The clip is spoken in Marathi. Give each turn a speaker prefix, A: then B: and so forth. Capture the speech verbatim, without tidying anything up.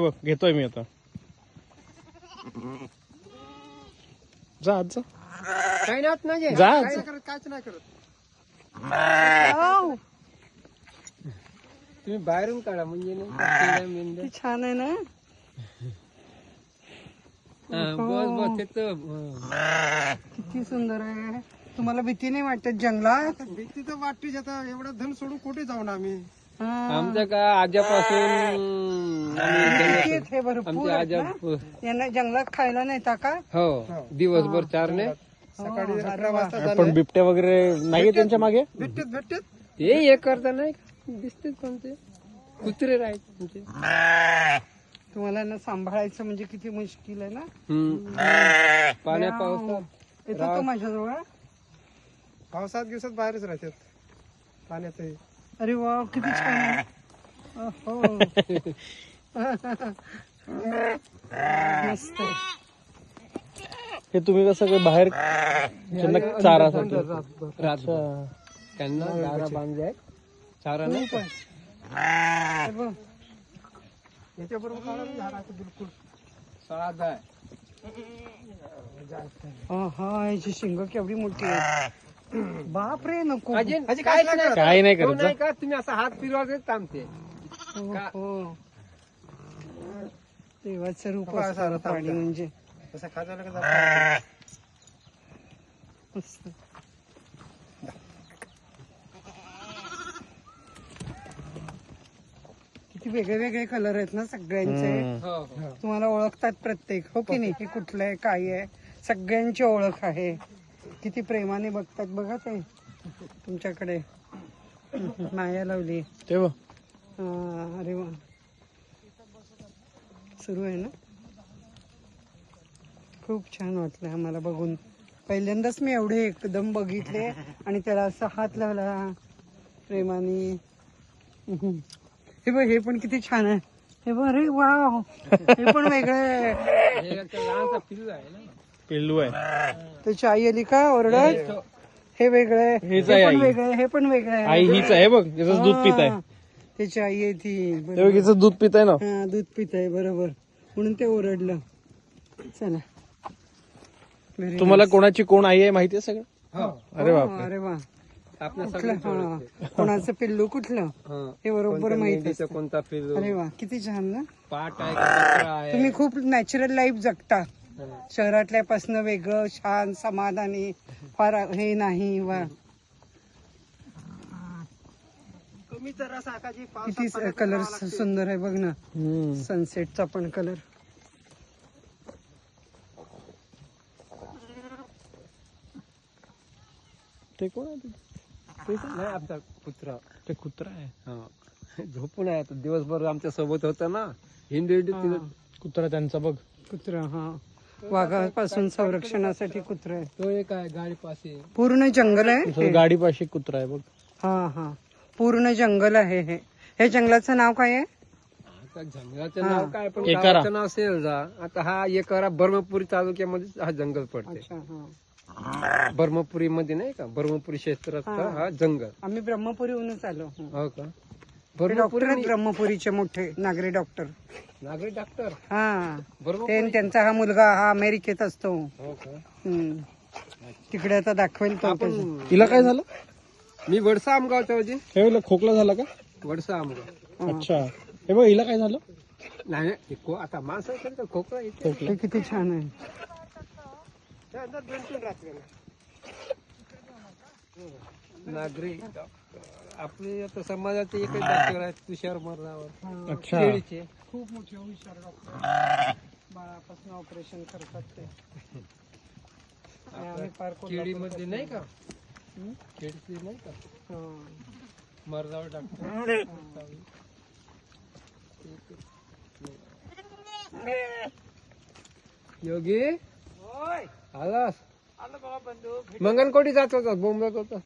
A: बघ घेतोय मी आता. जा आज जा.
B: काही नाही
A: जा आज.
B: नाही करत, काहीच नाही करत. तुम्ही बाहेरून काढा म्हणजे नाही मेंढ्या.
C: किती छान आहे ना.
B: हा, बस बस तिथं.
C: किती सुंदर आहे. तुम्हाला भीती नाही वाटत जंगलात?
B: भीती तर वाटतेच. आता एवढं धन सोडून कुठे जाऊ ना आम्ही.
C: हा.
B: आमच्या का आज्यापासून आम्ही
C: किती आहेत हे भरपूर
B: आमच्या
C: आहेत
B: आजा
C: ना? यांना जंगलात खायला नेता का?
B: हो दिवसभर चारणे
C: सकाळी अकरा वाजता
A: पण बिबट्या वगैरे नाहीये त्यांच्या मागे.
B: भेटत भेटत ते हे करता नाही दिसते कोणते कुत्रे राहत तुमचे.
C: तुम्हाला ना सांभाळायचं म्हणजे किती मुश्किल आहे ना.
B: पाण्या पावसात
C: येतो तो माझ्याजवळ.
B: पावसात दिवसात बाहेरच राहतात पाण्यात.
C: अरे वा किती छान आहे. अहो. मस्त आहे.
A: हे तुम्ही कसं काय बाहेर त्यांना चारासाठी.
B: रातभर त्यांना दारा बांधले चारा नाही पण
C: हे बघ.
B: याच्याबरोबर काढा झाडाचं बिलकुल साध आहे.
C: हा हा याची शिंग केवढी मोठी आहे. बाप रे नको.
B: अजून काय नाही
A: काही नाही करत जा.
B: नाही का तुम्ही असा हात फिरवा थांबते.
C: हो, हो. देवाचं रूप असतं प्राणी म्हणजे.
B: तसं खाजवलं का
C: मस्त. किती वेगळे वेगळे कलर आहेत ना सगळ्यांचे.
B: हो हो
C: तुम्हाला ओळखतात प्रत्येक. हो की नाही. हे कुठलं आहे काय आहे सगळ्यांची ओळख आहे. किती प्रेमाने बघतात बघा ते तुमच्याकडे. माया लावली.
A: ते बघ.
C: हा, अरे वा. सुरू आहे ना. खूप छान वाटलं आम्हाला बघून. पहिल्यांदाच मी एवढे एकदम बघितले आणि त्याला असा हात लावला प्रेमाने. हे बघ हे पण किती छान आहे. हे बघ अरे वाव. हे पण वेगळं आहे.
B: हे एक लहानसा पिल्लू आहे ना.
A: पिल्लू आहे.
C: त्याची आई आली का ओरडत. हे वेगळं आहे.
A: हेच
C: हे
A: आहे
C: पण
A: आई.
C: वेगळं आहे. हे पण वेगळं आहे.
A: आई हीच आहे बघ. याच दूध पित आहे.
C: हा, त्याची आई आहे ती.
A: ते बघ याचं दूध पित आहे ना.
C: हा दूध पित आहे बरोबर म्हणून ते ओरडलं. चला. Very
A: तुम्हाला
C: nice.
A: कोणाची कोण आई आहे माहितीये सगळं.
B: हो
A: अरे
C: हो,
A: बापरे.
C: अरे वा.
B: आपल्या
C: कुठलं
B: सगळं
C: हा कोणाचं पिल्लू कुठलं हे बरोबर माहिती असतं.
B: कोणता पिल्लू
C: अरे वा किती छान ना.
B: पाट आहे का बकरा आहे.
C: तुम्ही खूप नॅचरल लाईफ जगता. शहरातल्यापासून वेगळं छान समाधानी फार हे नाही. वा
B: कमी जरा साकाची
C: किती कलर सुंदर आहे बघ ना.
A: हम्म.
C: सनसेटचा पण कलर.
A: ते कोण आहे?
B: नाही आपला कुत्रा.
A: ते कुत्रा आहे.
B: हा झोपून आहे आता दिवसभर आमच्या सोबत होता ना. हिंदू हिंदू
A: कुत्रा त्यांचा बघ.
C: कुत्रा हा वाघापासून संरक्षणासाठी कुत्रा आहे.
B: तो एक आहे गाडी पाशी.
C: पूर्ण जंगल आहे हे.
A: गाडी पाशी कुत्रा आहे बघ.
C: हा हा पूर्ण जंगल आहे हे. हे जंगलाचं नाव काय आहे?
B: आता जंगलाचं
C: हा.
B: नाव काय पण
A: एकारा.
B: गावाचं नाव असेल जा. आता हा एकारा ब्रह्मपुरी तालुक्यामध्ये हा जंगल पडते.
C: अच्छा हा.
B: ब्रह्मपुरी मध्ये नाही का ब्रह्मपुरी क्षेत्रात
C: हा.
B: हा जंगल.
C: आम्ही ब्रह्मपुरीहूनच आलो.
B: हो का
C: हे डॉक्टर
B: ब्रह्मपुरी
C: आहेत ब्रह्मपुरीचे मोठे नागरी डॉक्टर.
B: नागरी डॉक्टर
C: हा ते
B: ब्रह्मपुरी.
C: त्यांचा हा मुलगा हा अमेरिकेत असतो.
B: हो का
C: हम्म. तिकडे आता दाखवेल तो. त्याचं.
B: आपण
A: तिला काय झालं?
B: मी वडसा आमगावचा होते.
A: हे बोल खोकला झाला का?
B: वडसा आमगाव.
C: हा.
A: अच्छा. हे बघ हिला काय झालं?
B: नाही नाही, को आता माणसं असेल तर खोकला येते.
A: खोकला.
C: हे किती छान आहे.
B: नागरी आपले आता समाजाचे एकच डॉक्टर आहेत तुषार मरणावर.
A: अच्छा.
B: केळीचे.
C: खूप मोठे हुशार डॉक्टर. बाळापासून ऑपरेशन करतात ते. आणि आम्ही फार
B: केळीमध्ये नाही का केळीचे नाही का
C: हा.
B: मरणावर डॉक्टर. योगी आलास मंगनकोटी जात होता बोंबे होता.